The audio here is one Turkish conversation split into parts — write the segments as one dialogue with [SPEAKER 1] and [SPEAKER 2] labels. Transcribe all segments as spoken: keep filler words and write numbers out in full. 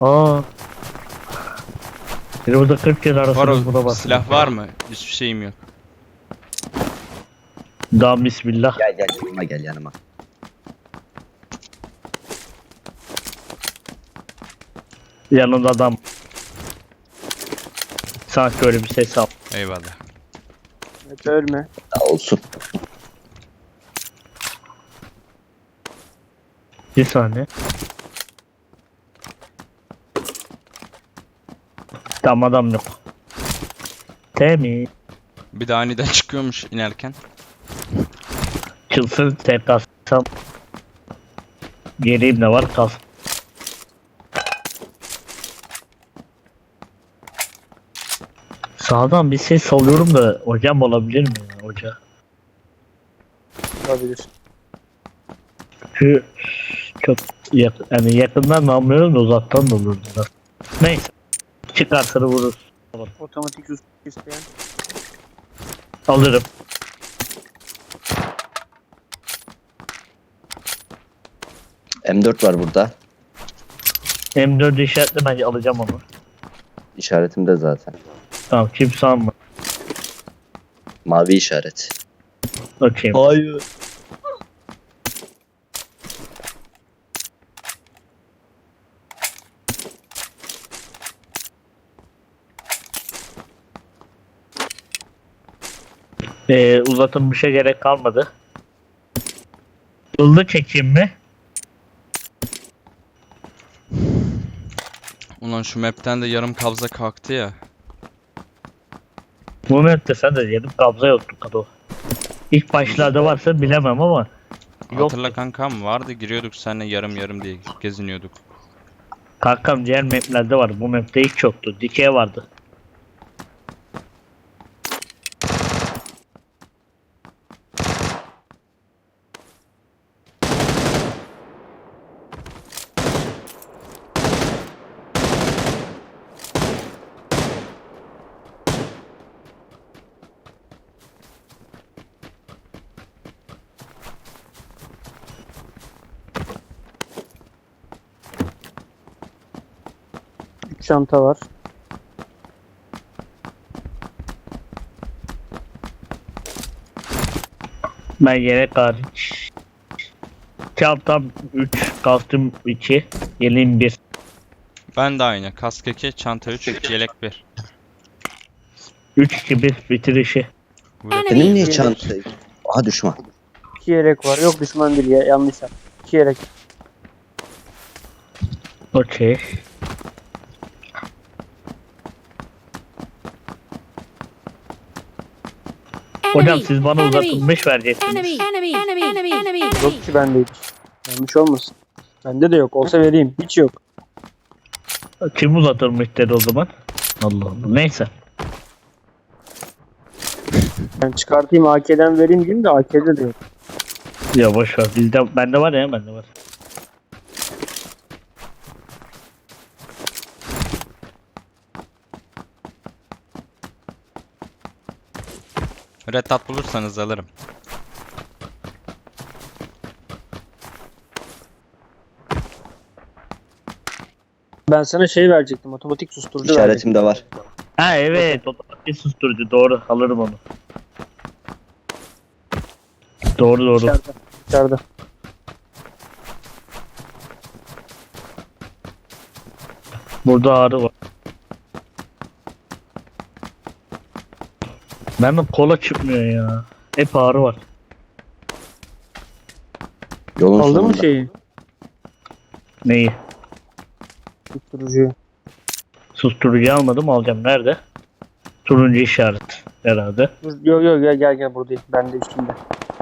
[SPEAKER 1] Aa. Bir orada kırk kere
[SPEAKER 2] Var
[SPEAKER 1] arasında buna
[SPEAKER 2] o
[SPEAKER 1] bak.
[SPEAKER 2] silah var mı? Hiçbir şeyim yok.
[SPEAKER 1] Daha bismillah.
[SPEAKER 3] Gel gel yanıma gel yanıma.
[SPEAKER 1] Yanında adam. Sanki öyle bir ses al.
[SPEAKER 2] Eyvallah.
[SPEAKER 4] Evet, ölme.
[SPEAKER 3] Daha olsun.
[SPEAKER 1] Bir saniye. Tam adam yok. Temiz.
[SPEAKER 2] Bir de aniden çıkıyormuş inerken.
[SPEAKER 1] Çılsın tek kalsam. Geleyim ne var kalsın. Sağdan bir ses alıyorum da hocam olabilir mi ya hoca?
[SPEAKER 4] Olabilir.
[SPEAKER 1] Şu çok yak yani yakından da almıyorum da uzaktan da olurdu da. Neyse. Çıkarsa da vurur.
[SPEAKER 4] Otomatik sus isteyen.
[SPEAKER 1] Alırım.
[SPEAKER 3] M dört var burada.
[SPEAKER 1] M dört işaretle bence alacağım onu.
[SPEAKER 3] İşaretimde zaten.
[SPEAKER 1] Tamam kimse alma.
[SPEAKER 3] Mavi işaret.
[SPEAKER 1] Okey.
[SPEAKER 3] Hayır.
[SPEAKER 1] Ee, uzatılmışa gerek kalmadı. Hızlı çekeyim mi?
[SPEAKER 2] Ulan şu map'ten de yarım kabza kalktı ya.
[SPEAKER 1] Bu map'te sen de yedim kabza yoktu kado. İlk başlarda varsa bilemem ama yok.
[SPEAKER 2] Hatırla kankam vardı, giriyorduk seninle yarım yarım diye geziniyorduk.
[SPEAKER 1] Kankam diğer maplerde var. Bu map'te hiç yoktu. Dikey vardı.
[SPEAKER 4] Üç çanta var.
[SPEAKER 1] Ben yelek hariç. Çantam üç, kastım iki, yeleğim bir.
[SPEAKER 2] Ben de aynı. Kask iki, çanta üç, yelek bir.
[SPEAKER 1] üç iki bir bitirişi.
[SPEAKER 3] Benim niye çanta? Aha düşman.
[SPEAKER 4] İki yelek var. Yok düşman değil ya. Yanlış yap. İki yelek.
[SPEAKER 1] Okey. Hocam siz bana uzatılmış vereceksiniz.
[SPEAKER 5] Enemy, enemy, enemy, enemy, enemy.
[SPEAKER 4] Yok ki bendeydi. Yanlış olmasın. Bende de yok. Olsa vereyim. Hiç yok.
[SPEAKER 1] Kim uzatılmış dedi o zaman? Allah Allah. Neyse.
[SPEAKER 4] Ben çıkartayım A K'den vereyim diyeyim de A K'de de yok.
[SPEAKER 1] Ya boş ver. Bizde bende var ya bende var.
[SPEAKER 2] Red Dot bulursanız alırım.
[SPEAKER 4] Ben sana şey verecektim. Otomatik susturucu verecektim.
[SPEAKER 3] İşaretimde var.
[SPEAKER 1] Ha evet. Otomatik susturucu. Doğru. Alırım onu. Doğru doğru.
[SPEAKER 4] İçeride. İçeride.
[SPEAKER 1] Burada ağrı var. Benim kola çıkmıyor ya. Hep ağrı var.
[SPEAKER 3] Yolun
[SPEAKER 4] Aldın mı
[SPEAKER 3] sonunda.
[SPEAKER 4] şeyi?
[SPEAKER 1] Neyi?
[SPEAKER 4] Susturucuyu.
[SPEAKER 1] Susturucu almadım alacağım. Nerede? Turuncu işaret herhalde.
[SPEAKER 4] Dur, yok yok gel gel gel buradayım. Ben de üstümde.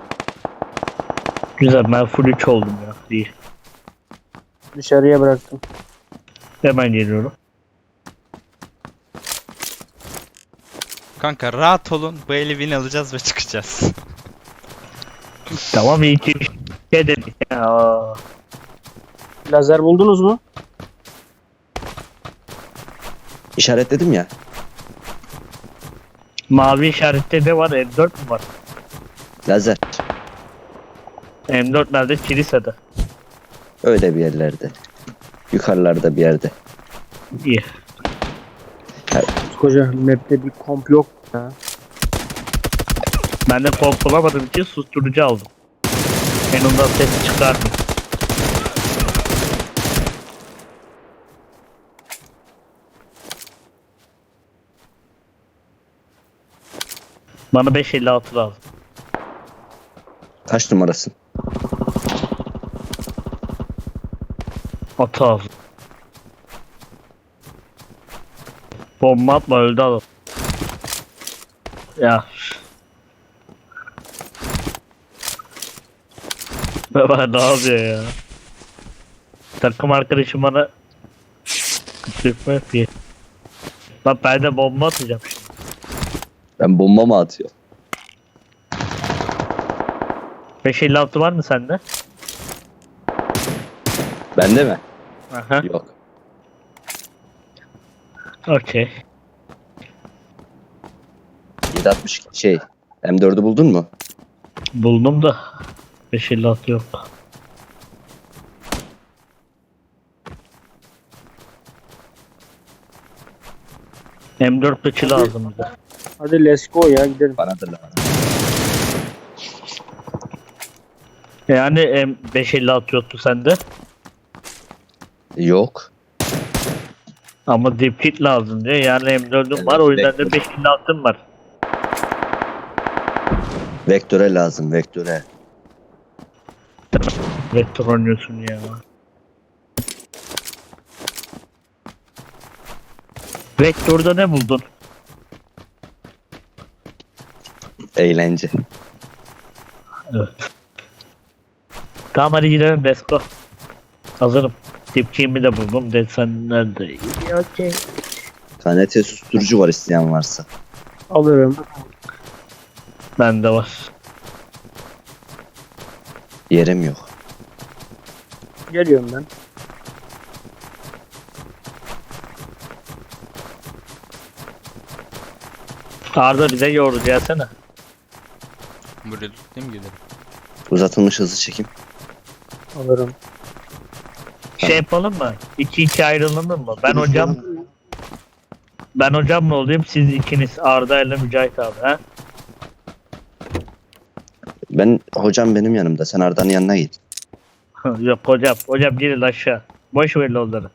[SPEAKER 1] Güzel ben full üç oldum ya. İyi.
[SPEAKER 4] Dışarıya bıraktım.
[SPEAKER 1] Hemen geliyorum.
[SPEAKER 2] Kanka rahat olun. Bu eli win alacağız ve çıkacağız.
[SPEAKER 1] Tamam iyi ki bir şey dedik ya.
[SPEAKER 4] Lazer buldunuz mu?
[SPEAKER 3] İşaretledim ya.
[SPEAKER 1] Mavi işarette ne var? M dört mü var?
[SPEAKER 3] Lazer.
[SPEAKER 1] M dört nerede? Kilisede.
[SPEAKER 3] Öyle bir yerlerde. Yukarılarda bir yerde.
[SPEAKER 1] İyi.
[SPEAKER 4] Koca map'te bir komp yok ya.
[SPEAKER 1] Ben de kork bulamadığım için susturucu aldım. En ondan ses çıkardım. Bana beş elli altı lazım.
[SPEAKER 3] Kaç numarasın?
[SPEAKER 1] Atı lazım. Bomba atma, öldü adam. Ya. Baba ne yapıyor ya? Takım arkadaşım bana kışkırtma yapıyor. Bak ben de bomba atacağım şimdi.
[SPEAKER 3] Ben bomba mı atıyorum?
[SPEAKER 1] beş elli altı var mı sende?
[SPEAKER 3] Bende mi?
[SPEAKER 1] Aha.
[SPEAKER 3] Yok.
[SPEAKER 1] Okey.
[SPEAKER 3] yedi altmış şey. M dördü buldun mu?
[SPEAKER 1] Buldum da beş elli altı yok. M dört kıçı lazım bize.
[SPEAKER 4] Hadi let's go ya gidelim.
[SPEAKER 3] Bana da lazım.
[SPEAKER 1] Yani M beş elli altı yoktu sende.
[SPEAKER 3] Yok.
[SPEAKER 1] Ama dip kit lazım diye. Yani M dördüm
[SPEAKER 3] Evet,
[SPEAKER 1] var, o yüzden de
[SPEAKER 3] bekle.
[SPEAKER 1] beş elli altım var.
[SPEAKER 3] Vektöre lazım, vektöre.
[SPEAKER 1] Vektör oynuyorsun ya. Vektör'de ne buldun?
[SPEAKER 3] Eğlence.
[SPEAKER 1] Evet. Tamam hadi gidelim, let's go. Hazırım. Dipçiğimi de buldum. Desenler de iyi. Okey.
[SPEAKER 3] K N T susturucu var isteyen varsa.
[SPEAKER 4] Alırım.
[SPEAKER 1] Bende var.
[SPEAKER 3] Yerim yok.
[SPEAKER 4] Geliyorum ben.
[SPEAKER 1] Arda bize yoğurdu gelsene.
[SPEAKER 2] Buraya tutayım gidelim.
[SPEAKER 3] Uzatılmış hızlı çekim.
[SPEAKER 4] Alırım.
[SPEAKER 1] Şey yapalım mı? İki iki ayrılalım mı? Ben hocam ben hocamla olayım, siz ikiniz Arda ile Mücahit abi ha?
[SPEAKER 3] Ben hocam benim yanımda. Sen Arda'nın yanına git.
[SPEAKER 1] Yok hocam. Hocam gelin aşağı. Boş ver onları.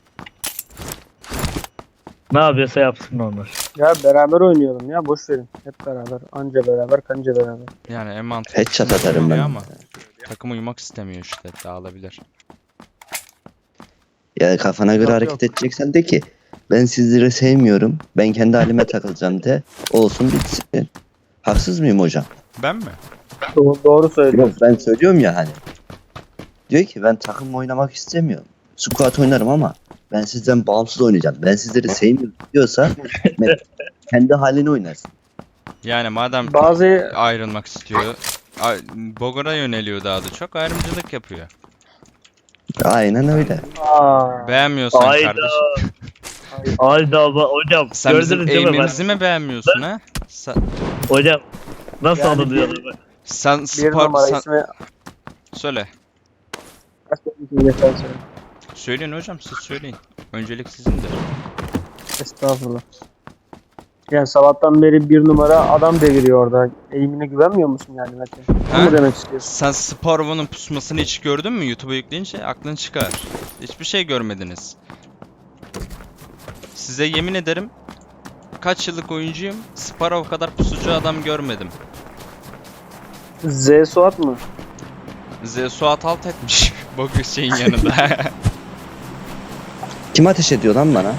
[SPEAKER 1] Ne yapıyorsa yapsın onlar.
[SPEAKER 4] Ya beraber oynayalım ya boş verin. Hep beraber. Anca beraber kanca beraber.
[SPEAKER 2] Yani en mantıklı
[SPEAKER 3] Headshot atarım ben.
[SPEAKER 2] ama takım uyumak istemiyor işte, dağılabilir.
[SPEAKER 3] Ya kafana göre
[SPEAKER 4] Yok,
[SPEAKER 3] hareket
[SPEAKER 4] yok.
[SPEAKER 3] edeceksen de ki ben sizleri sevmiyorum. Ben kendi halime takılacağım de. Olsun bitsin. Haksız mıyım hocam?
[SPEAKER 2] Ben mi?
[SPEAKER 4] Doğru, doğru söyledin.
[SPEAKER 3] Yok ben söylüyorum ya hani. Diyor ki ben takım oynamak istemiyorum. Squat oynarım ama ben sizden bağımsız oynayacağım. Ben sizleri sevmiyorum diyorsa ben- kendi halini oynarsın.
[SPEAKER 2] Yani madem
[SPEAKER 4] Bazı
[SPEAKER 2] ayrılmak istiyor, a- Bogor'a yöneliyor, daha da çok ayrımcılık yapıyor.
[SPEAKER 3] Aynen öyle.
[SPEAKER 4] Aa,
[SPEAKER 2] Beğenmiyorsan
[SPEAKER 1] Hayda.
[SPEAKER 2] kardeşim.
[SPEAKER 1] Hayda ama hocam.
[SPEAKER 2] Sen bizim
[SPEAKER 1] gördünüz değil mi?
[SPEAKER 2] eğimimizi mi beğenmiyorsun ha? Sen,
[SPEAKER 1] Ben- Hocam nasıl
[SPEAKER 4] Yani
[SPEAKER 1] anılıyor?
[SPEAKER 2] sen
[SPEAKER 4] bir
[SPEAKER 2] spor...
[SPEAKER 4] numara
[SPEAKER 2] Sen,
[SPEAKER 4] ismi
[SPEAKER 2] söyle.
[SPEAKER 4] Estağfurullah.
[SPEAKER 2] Söyleyin hocam, siz söyleyin. Öncelik sizindir.
[SPEAKER 4] Estağfurullah. Yani sabahtan beri bir numara adam deviriyor orada. Eğimine güvenmiyor musun yani Mete?
[SPEAKER 2] Ha?
[SPEAKER 4] Ne mu demek istiyorsun?
[SPEAKER 2] Sen Sparrow'un pusmasını hiç gördün mü? YouTube'a yükleyince aklın çıkar. Hiçbir şey görmediniz. Size yemin ederim, kaç yıllık oyuncuyum, Sparrow kadar pusucu adam görmedim.
[SPEAKER 4] Z Suat mı?
[SPEAKER 2] Z Suat alt etmiş. Bugün şeyin yanında.
[SPEAKER 3] Kim ateş ediyor lan bana?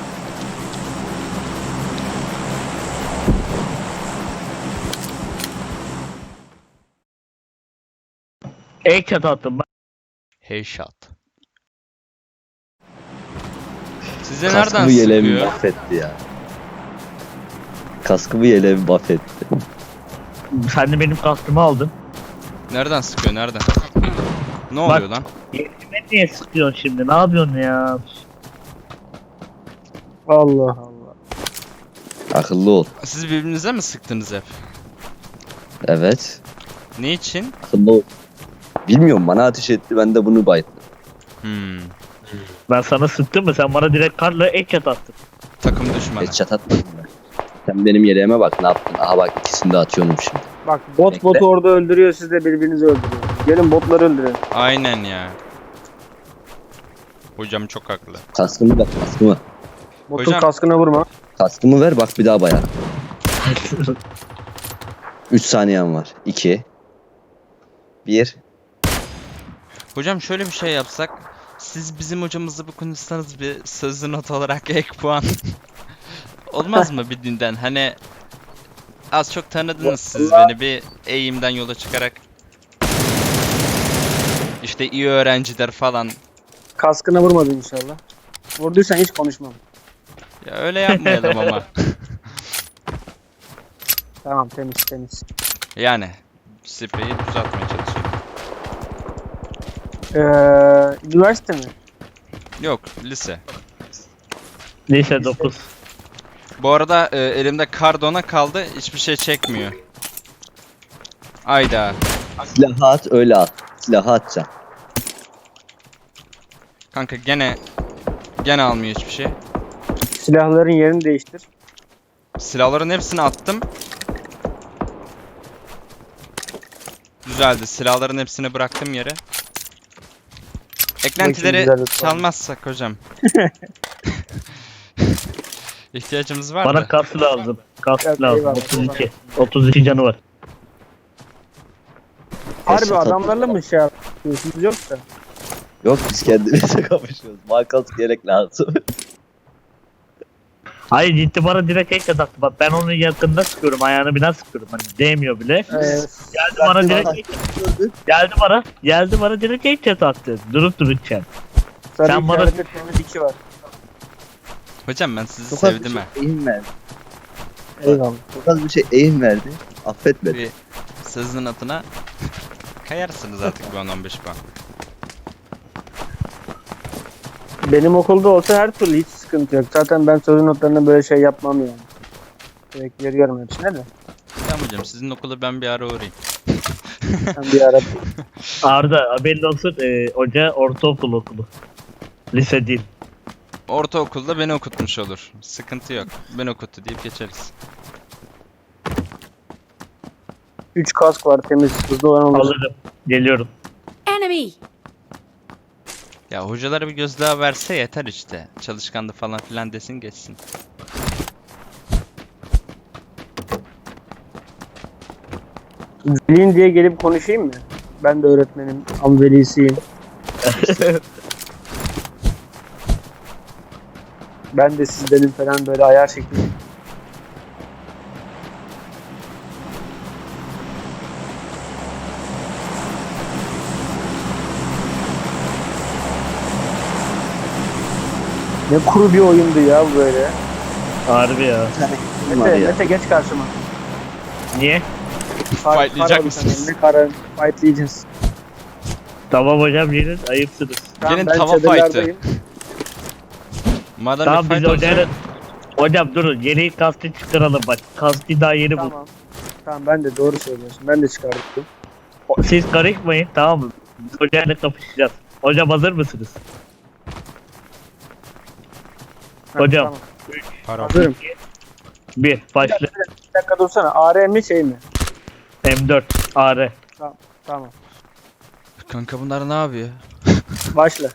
[SPEAKER 1] Ek çatı attım. Bak.
[SPEAKER 2] Headshot. Size
[SPEAKER 3] Kaskımı
[SPEAKER 2] nereden
[SPEAKER 3] yeleğimi
[SPEAKER 2] sıkıyor?
[SPEAKER 3] mahvetti ya. Kaskımı yeleğimi mahvetti.
[SPEAKER 1] Sen de benim kastımı aldın.
[SPEAKER 2] Nereden sıkıyor? Nereden? Ne
[SPEAKER 1] Bak.
[SPEAKER 2] oluyor lan?
[SPEAKER 1] Yerime niye sıkıyorsun şimdi? Ne yapıyorsun ya?
[SPEAKER 4] Allah Allah.
[SPEAKER 3] Akıllı ol.
[SPEAKER 2] Siz birbirinize mi sıktınız hep?
[SPEAKER 3] Evet.
[SPEAKER 2] Ne için?
[SPEAKER 3] Akıllı ol. Bilmiyorum bana ateş etti ben de bunu baydım.
[SPEAKER 2] Hmm.
[SPEAKER 1] Ben sana sıktım mı? Sen bana direkt karla headshot attın.
[SPEAKER 2] Takım düşmanı.
[SPEAKER 3] Headshot atmadın ben. Sen benim yeleğime bak ne yaptın. Aha bak ikisini de atıyorum şimdi.
[SPEAKER 4] Bak bot
[SPEAKER 3] Bekle.
[SPEAKER 4] botu orada öldürüyor, siz de birbirinizi öldürüyorsunuz. Gelin botları öldürelim.
[SPEAKER 2] Aynen ya. Hocam çok haklı.
[SPEAKER 3] Kaskımı ver kaskımı.
[SPEAKER 4] Botun
[SPEAKER 2] Hocam-
[SPEAKER 4] kaskına vurma.
[SPEAKER 3] Kaskımı ver bak bir daha bayar. üç saniyem var. iki. bir.
[SPEAKER 2] Hocam şöyle bir şey yapsak. Siz bizim hocamızla bir konuşsanız bir sözlü not olarak ek puan. Olmaz mı bir dünden? Hani az çok tanıdınız siz beni bir eğimden yola çıkarak. İşte iyi öğrenciler falan.
[SPEAKER 4] Kaskına vurmadın inşallah. Vurduysan hiç konuşmam.
[SPEAKER 2] Ya öyle yapmayalım ama.
[SPEAKER 4] Tamam, temiz temiz.
[SPEAKER 2] Yani spreyi düzeltmeye çalışıyorum.
[SPEAKER 4] Ee, üniversite mi?
[SPEAKER 2] Yok lise.
[SPEAKER 1] Lise dokuz.
[SPEAKER 2] Bu arada e, elimde kardona kaldı. Hiçbir şey çekmiyor. Ayda.
[SPEAKER 3] Silahı at öyle at. Silahı atacaksın.
[SPEAKER 2] Kanka gene gene almıyor hiçbir şey.
[SPEAKER 4] Silahların yerini değiştir.
[SPEAKER 2] Silahların hepsini attım. Düzeldi. Silahların hepsini bıraktım yere. Eklentileri
[SPEAKER 4] güzellik var.
[SPEAKER 2] çalmazsak hocam. İhtiyacımız var
[SPEAKER 1] Bana
[SPEAKER 2] da.
[SPEAKER 1] kask lazım. Kask
[SPEAKER 4] Evet,
[SPEAKER 1] lazım.
[SPEAKER 4] eyvallah.
[SPEAKER 1] otuz iki. otuz iki canı var.
[SPEAKER 4] Harbi
[SPEAKER 3] Headshot
[SPEAKER 4] adamlarla
[SPEAKER 3] atmadın.
[SPEAKER 4] mı şey yapıyorsunuz yoksa?
[SPEAKER 3] Yok biz kendimize kapışıyoruz. Markalık gerek lazım.
[SPEAKER 1] Hayır ciddi bana direkt headshot attı. Bak ben onun yakında sıkıyorum. Ayağını biraz sıkıyorum. Hani değmiyor bile.
[SPEAKER 4] Ee,
[SPEAKER 1] Geldi bana direkt geldi bana. Geldi bana direkt headshot attı. Durup dururken.
[SPEAKER 4] sarı
[SPEAKER 1] Sen bana-
[SPEAKER 4] işaretli temiz iki var.
[SPEAKER 2] Hocam ben sizi
[SPEAKER 3] Çok az bir
[SPEAKER 2] sevdim
[SPEAKER 3] şey
[SPEAKER 2] ha.
[SPEAKER 3] eğim verdi.
[SPEAKER 4] Eyvallah.
[SPEAKER 3] Çok az bir şey eğim verdi. Affetmedi.
[SPEAKER 2] Bir sözün atına kayarsınız artık bir on on beş puan.
[SPEAKER 4] Benim okulda olsa her türlü hiç sıkıntı yok. Zaten ben sözün notlarına böyle şey yapmam yani. Direkt veriyorum hepsine de.
[SPEAKER 2] Tamam hocam sizin okula ben bir ara uğrayayım.
[SPEAKER 4] Ben bir ara
[SPEAKER 1] Arda haberin olsun. E, hoca ortaokul okulu. Lise değil.
[SPEAKER 2] Ortaokulda beni okutmuş olur. Sıkıntı yok. Ben okuttu deyip geçeriz.
[SPEAKER 4] üç kask var temiz. Hızlı olan olur.
[SPEAKER 1] Alırım. Geliyorum.
[SPEAKER 5] Enemy!
[SPEAKER 2] Ya hocalara bir göz daha verse yeter işte. Çalışkandı falan filan desin geçsin.
[SPEAKER 4] Velin diye gelip konuşayım mı? Ben de öğretmenim. Am velisiyim. Ben de sizdenim falan böyle ayar şeklinde. Ne kuru bir oyundu ya bu böyle.
[SPEAKER 1] Harbi ya.
[SPEAKER 3] Kim var
[SPEAKER 4] Mete,
[SPEAKER 3] ya?
[SPEAKER 4] Mete geç karşıma.
[SPEAKER 1] Niye?
[SPEAKER 4] Kar-
[SPEAKER 2] Fightlayacak
[SPEAKER 4] kar abi
[SPEAKER 2] mısınız?
[SPEAKER 4] sen, Ne karın? Fightlayacağız.
[SPEAKER 1] Tamam hocam gelin. Ayıpsınız.
[SPEAKER 2] Gelin
[SPEAKER 4] ben
[SPEAKER 2] tava
[SPEAKER 4] çadırlardayım.
[SPEAKER 2] Madem
[SPEAKER 1] Tamam
[SPEAKER 2] bir
[SPEAKER 1] biz
[SPEAKER 2] fight
[SPEAKER 1] hocayla...
[SPEAKER 2] olacak,
[SPEAKER 1] Hocam durun. Yeni kastı çıkaralım bak. Kastı daha yeni bu.
[SPEAKER 4] Tamam. Tamam ben de doğru söylüyorsun. Ben de çıkardım.
[SPEAKER 1] Siz karışmayın tamam mı? Biz hocayla kapışacağız. Hocam hazır mısınız?
[SPEAKER 4] Ha,
[SPEAKER 1] Hocam.
[SPEAKER 4] Tamam.
[SPEAKER 2] para.
[SPEAKER 4] Hazırım.
[SPEAKER 1] Bir başla.
[SPEAKER 4] Bir dakika dursana. A R mi şey mi?
[SPEAKER 1] M dört A R.
[SPEAKER 4] Tamam.
[SPEAKER 2] Kanka bunlar ne yapıyor?
[SPEAKER 4] Başla.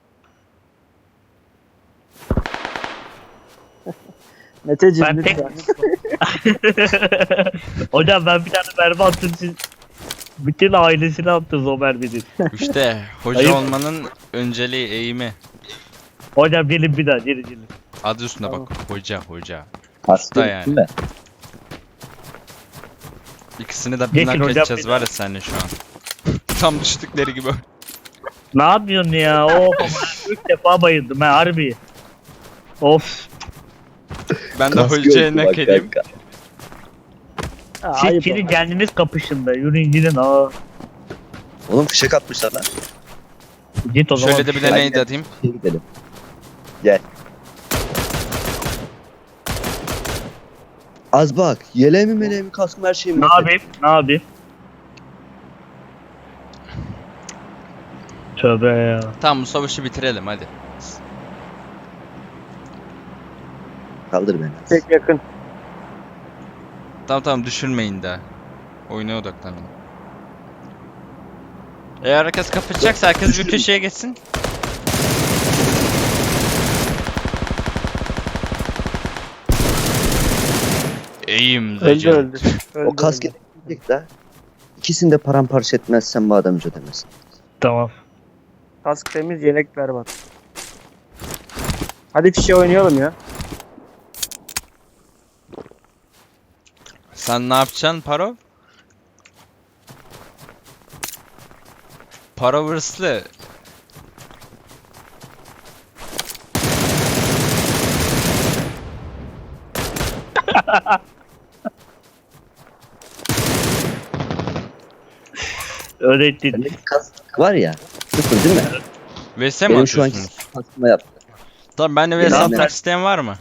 [SPEAKER 4] Meteciğim
[SPEAKER 1] Ben tek-
[SPEAKER 4] lütfen.
[SPEAKER 1] Hocam ben bir tane mermi attım siz. Bütün ailesini attınız o merminin.
[SPEAKER 2] İşte hoca
[SPEAKER 1] Ayıp.
[SPEAKER 2] olmanın önceliği eğimi.
[SPEAKER 1] Hocam gelin bir daha gelin gelin.
[SPEAKER 2] Adı üstüne
[SPEAKER 4] Tamam.
[SPEAKER 2] bak. Hoca hoca.
[SPEAKER 3] Kaskı
[SPEAKER 2] yani.
[SPEAKER 3] yani. De.
[SPEAKER 2] İkisini de
[SPEAKER 1] Geçin
[SPEAKER 2] binden
[SPEAKER 1] hocam,
[SPEAKER 2] kaçacağız
[SPEAKER 1] bir
[SPEAKER 2] var ya seninle şu an. Tam düştükleri gibi.
[SPEAKER 1] Ne yapıyorsun ya? Of. Üç defa bayıldım ha harbi. Of.
[SPEAKER 2] Ben de
[SPEAKER 3] Kaskı
[SPEAKER 2] hocaya
[SPEAKER 3] yoktu
[SPEAKER 2] ne
[SPEAKER 3] bak
[SPEAKER 2] edeyim?
[SPEAKER 3] kanka.
[SPEAKER 4] Ha,
[SPEAKER 1] Siz
[SPEAKER 4] ayıp
[SPEAKER 1] şimdi
[SPEAKER 4] ama.
[SPEAKER 1] kendiniz kapışın da. Yürüyün gidin. Aa.
[SPEAKER 3] Oğlum fişek atmışlar lan.
[SPEAKER 1] Git o zaman.
[SPEAKER 2] Şöyle de bir de
[SPEAKER 3] Aynen.
[SPEAKER 2] neydi atayım?
[SPEAKER 3] Şey gidelim. Gel. Az bak. Yeleğimi meleğimi kaskım her şeyimi.
[SPEAKER 1] Ne yapayım? Ne yapayım? Tövbe ya.
[SPEAKER 2] Tamam bu savaşı bitirelim hadi.
[SPEAKER 3] Kaldır beni.
[SPEAKER 4] Tek yakın.
[SPEAKER 2] Tamam tamam düşürmeyin daha. Oyuna odaklanın. Eğer herkes kapatacaksa herkes bir köşeye geçsin. Eğim
[SPEAKER 4] Öldü
[SPEAKER 2] zacı.
[SPEAKER 4] öldü. öldü
[SPEAKER 3] O kask
[SPEAKER 4] öldü.
[SPEAKER 3] edecek de. İkisini de paramparça etmezsen bu adam ödemez.
[SPEAKER 1] Tamam.
[SPEAKER 4] Kask temiz, yelek berbat. Hadi fişe oynayalım ya.
[SPEAKER 2] Sen ne yapacaksın Paro? Paro hırslı.
[SPEAKER 1] Öğrettin.
[SPEAKER 3] Bendeki kask var ya. Sıfır değil mi?
[SPEAKER 2] V S mi
[SPEAKER 3] Benim şu anki
[SPEAKER 2] atıyorsunuz?
[SPEAKER 3] kaskıma yaptı.
[SPEAKER 2] Tamam ben de V S
[SPEAKER 3] Benim-
[SPEAKER 2] atmak isteyen var mı?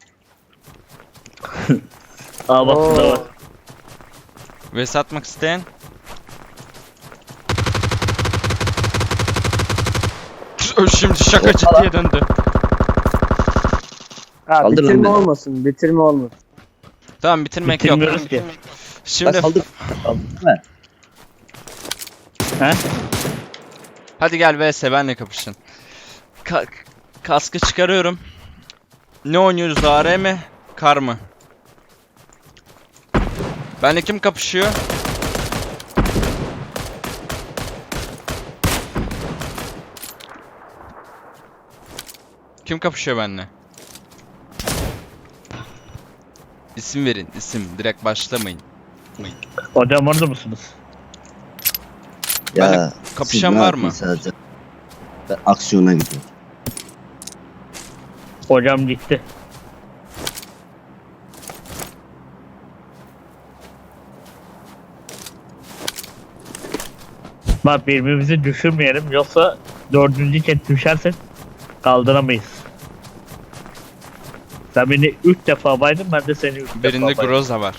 [SPEAKER 1] Aa bak burada var.
[SPEAKER 2] V S atmak isteyen? O şimdi şaka ciddiye döndü.
[SPEAKER 4] Ha,
[SPEAKER 3] Kaldır lan
[SPEAKER 4] bitirme
[SPEAKER 3] beni.
[SPEAKER 4] olmasın, bitirme olmasın.
[SPEAKER 2] Tamam bitirmek yok.
[SPEAKER 1] Bitirmiyoruz ki.
[SPEAKER 2] Şimdi
[SPEAKER 3] Bak kaldır. Kaldır değil mi?
[SPEAKER 1] He?
[SPEAKER 2] hadi gel V S benle kapışın. Ka kaskı çıkarıyorum. Ne oynuyoruz, A R mi? Kar mı? Benle kim kapışıyor? Kim kapışıyor benle? İsim verin, isim. Direkt başlamayın.
[SPEAKER 1] Hocam orada mısınız?
[SPEAKER 3] Ya,
[SPEAKER 2] Benle kapışan
[SPEAKER 3] siz ne
[SPEAKER 2] var mı?
[SPEAKER 3] yapıyorsunuz? Ben aksiyona gidiyorum.
[SPEAKER 1] Hocam gitti. Bak birbirimizi düşürmeyelim yoksa dördüncü kez düşersek kaldıramayız. Sen beni üç defa baydın ben de seni üç
[SPEAKER 2] Birinde
[SPEAKER 1] defa baydım.
[SPEAKER 2] Groza var.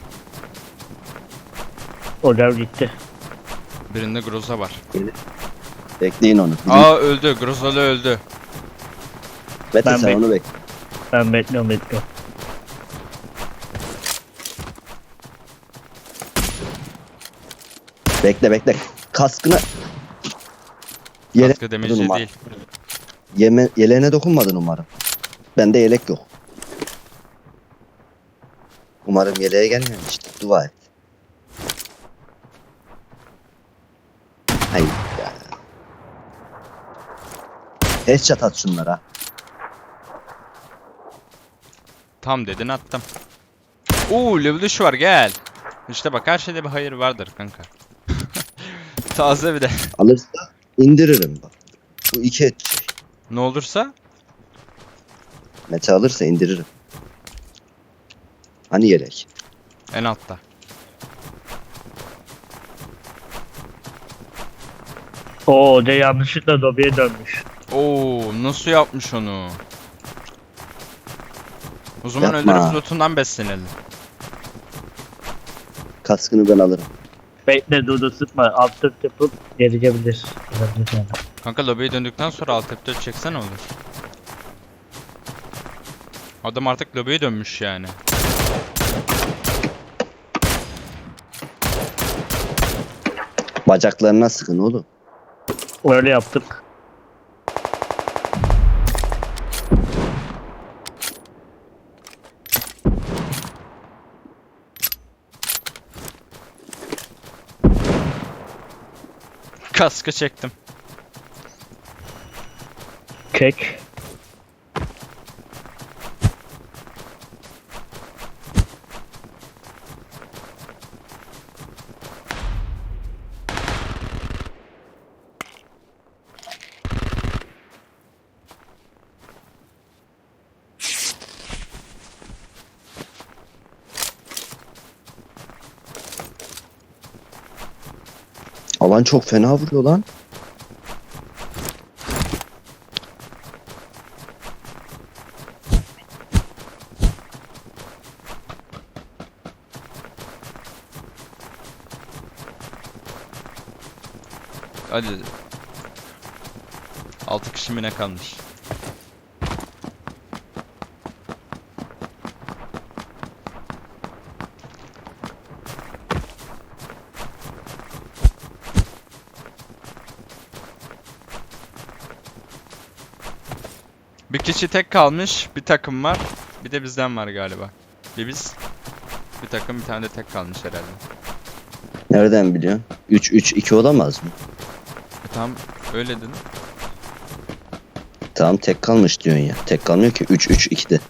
[SPEAKER 1] Hocam gitti.
[SPEAKER 2] Birinde Groza var.
[SPEAKER 3] Bekleyin onu. Bizim
[SPEAKER 2] Aa öldü. Grozalı öldü.
[SPEAKER 3] Mete
[SPEAKER 1] ben
[SPEAKER 3] sen
[SPEAKER 1] bek-
[SPEAKER 3] onu bekle.
[SPEAKER 1] Ben bekliyorum bekliyorum.
[SPEAKER 3] Bekle bekle. Kaskına Yele...
[SPEAKER 2] Kaskı demeci
[SPEAKER 3] Durma.
[SPEAKER 2] değil.
[SPEAKER 3] Yeme... yeleğine dokunmadın umarım. Bende yelek yok. Umarım yeleğe gelmemiştir. Dua et. Hayır ya. Headshot at şunlara.
[SPEAKER 2] Tam dedin attım. Oo level üç var gel. İşte bak her şeyde bir hayır vardır kanka. Taze bir de.
[SPEAKER 3] Alırsa indiririm bak. Bu iki edecek.
[SPEAKER 2] Ne olursa
[SPEAKER 3] Mete alırsa indiririm. Hani yelek?
[SPEAKER 2] en altta.
[SPEAKER 1] Oo hoca yanlışlıkla lobiye dönmüş.
[SPEAKER 2] Oo nasıl yapmış onu? O zaman
[SPEAKER 3] Yapma.
[SPEAKER 2] öldürüp lootundan beslenelim.
[SPEAKER 3] Kaskını ben alırım.
[SPEAKER 1] Bekle Dudu sıkma. Alt tık yapıp gelecekbilir. Olabilir yani.
[SPEAKER 2] Kanka lobiye döndükten sonra alt F dört çeksen olur. Adam artık lobiye dönmüş yani.
[SPEAKER 3] Bacaklarına sıkın oğlum.
[SPEAKER 1] Öyle yaptık.
[SPEAKER 2] Kaskı çektim.
[SPEAKER 1] Kek.
[SPEAKER 3] Alan çok fena vuruyor lan.
[SPEAKER 2] Hadi. altı kişi mi ne kalmış? Bir kişi tek kalmış. Bir takım var. Bir de bizden var galiba. Bir biz. Bir takım bir tane de tek kalmış herhalde.
[SPEAKER 3] Nereden biliyorsun? üç üç iki olamaz mı?
[SPEAKER 2] E, tamam öyle dedin.
[SPEAKER 3] Tamam tek kalmış diyorsun ya. Tek kalmıyor ki üç üç ikide.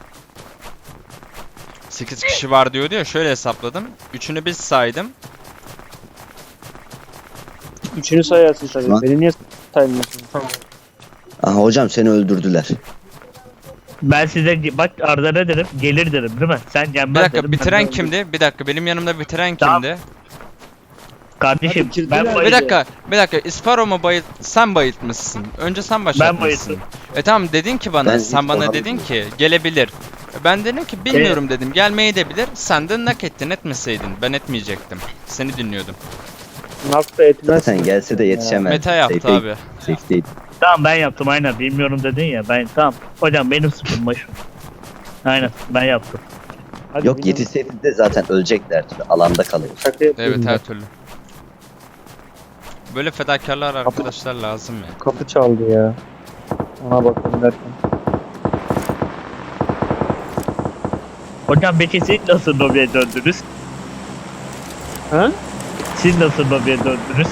[SPEAKER 2] sekiz kişi var diyordu ya, şöyle hesapladım. üçünü biz saydım.
[SPEAKER 4] Üçünü sayarsın tabii.
[SPEAKER 3] Lan.
[SPEAKER 4] Beni niye saymıyorsun? Tamam.
[SPEAKER 3] Aha hocam seni öldürdüler.
[SPEAKER 1] Ben size bak Arda ne derim? Gelir derim değil mi? Sen gelmez
[SPEAKER 2] Bir dakika,
[SPEAKER 1] derim, ben
[SPEAKER 2] bitiren
[SPEAKER 1] de-
[SPEAKER 2] kimdi? Bir dakika, benim yanımda bitiren
[SPEAKER 1] Tamam.
[SPEAKER 2] kimdi?
[SPEAKER 1] Kardeşim
[SPEAKER 4] Hadi bitirdiler.
[SPEAKER 1] ben
[SPEAKER 4] Bir
[SPEAKER 2] Bir
[SPEAKER 1] bayıldım.
[SPEAKER 2] dakika, bir dakika. İsparo mu bayılt... Sen bayıltmışsın. Önce sen başlatmışsın.
[SPEAKER 1] bayılttım.
[SPEAKER 2] E tamam, dedin ki bana,
[SPEAKER 3] Ben
[SPEAKER 2] sen
[SPEAKER 3] hiç
[SPEAKER 2] bana
[SPEAKER 3] olamam.
[SPEAKER 2] dedin ki gelebilir. E, Ben dedim ki bilmiyorum dedim. Gelmeyi de bilir. Sen de nak ettin, etmeseydin. Ben etmeyecektim. Seni dinliyordum.
[SPEAKER 4] Nakta etmez.
[SPEAKER 3] Zaten gelse de yetişemez.
[SPEAKER 2] Meta yaptı
[SPEAKER 3] Safe-
[SPEAKER 2] abi.
[SPEAKER 3] safe değil.
[SPEAKER 1] Tamam ben yaptım aynen. Bilmiyorum dedin ya. Ben tamam. Hocam benim sıfırım başı. Aynen ben yaptım.
[SPEAKER 4] Hadi
[SPEAKER 3] Yok
[SPEAKER 4] bilmiyorum.
[SPEAKER 3] yetişseydi de zaten ölecekler. Alanda kalıyor.
[SPEAKER 4] Şaka yapıyorum
[SPEAKER 2] Evet,
[SPEAKER 4] ben.
[SPEAKER 2] her türlü. Böyle fedakarlar arkadaşlar lazım ya.
[SPEAKER 4] Kapı çaldı ya. Ona bakalım derken.
[SPEAKER 1] Hocam peki siz nasıl lobiye döndünüz?
[SPEAKER 4] Ha?
[SPEAKER 1] Siz nasıl lobiye döndünüz?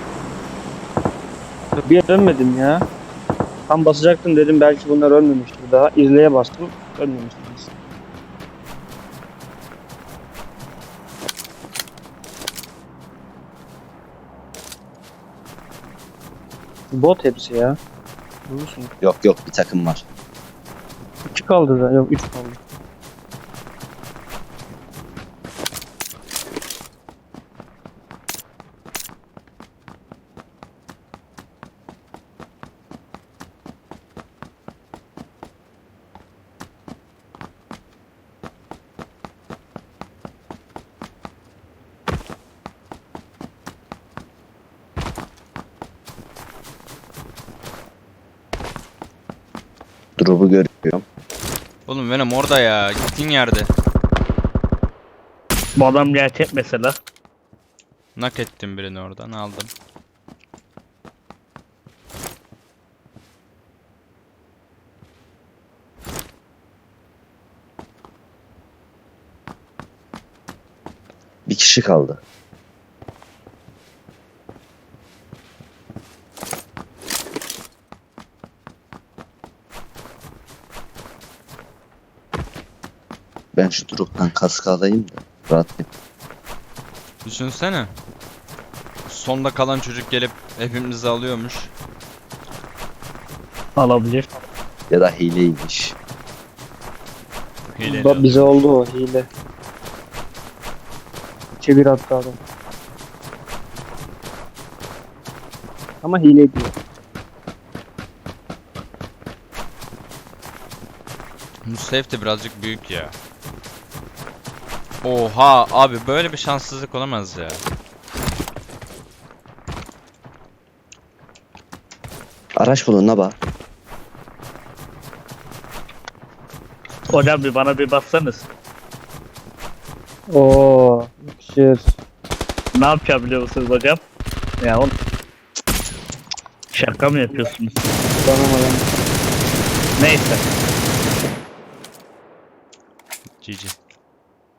[SPEAKER 4] Bir yere dönmedim ya. Tam basacaktım dedim belki bunlar ölmemiştir daha. İzleye bastım. Ölmemiştiniz. Bot hepsi ya. Bulursun.
[SPEAKER 3] Yok yok bir takım var.
[SPEAKER 4] İki kaldı da. Yok üç kaldı.
[SPEAKER 3] Drop'u görüyorum.
[SPEAKER 2] Oğlum benim orada ya. Gittiğin yerde.
[SPEAKER 1] Bu adam gerçek mesela.
[SPEAKER 2] Nak ettim birini oradan, aldım.
[SPEAKER 3] Bir kişi kaldı. Ben şu drop'tan kask alayım da rahat et.
[SPEAKER 2] Düşünsene. Sonda kalan çocuk gelip hepimizi alıyormuş.
[SPEAKER 1] Alabilir.
[SPEAKER 3] Ya da hileymiş.
[SPEAKER 2] Hileli
[SPEAKER 4] Ba-
[SPEAKER 2] alıyor.
[SPEAKER 4] bize oldu o hile. İçe bir attı adam. Ama hile diyor.
[SPEAKER 2] Bu safe de birazcık büyük ya. Oha abi, böyle bir şanssızlık olamaz ya.
[SPEAKER 3] Araç bulun la bak.
[SPEAKER 1] Hocam bir bana bir baksanız.
[SPEAKER 4] Oo, yakışır.
[SPEAKER 1] Ne yapacağım biliyor musunuz hocam? Ya oğlum. Şaka mı yapıyorsunuz?
[SPEAKER 4] Tanımadım.
[SPEAKER 1] Neyse.
[SPEAKER 2] G G.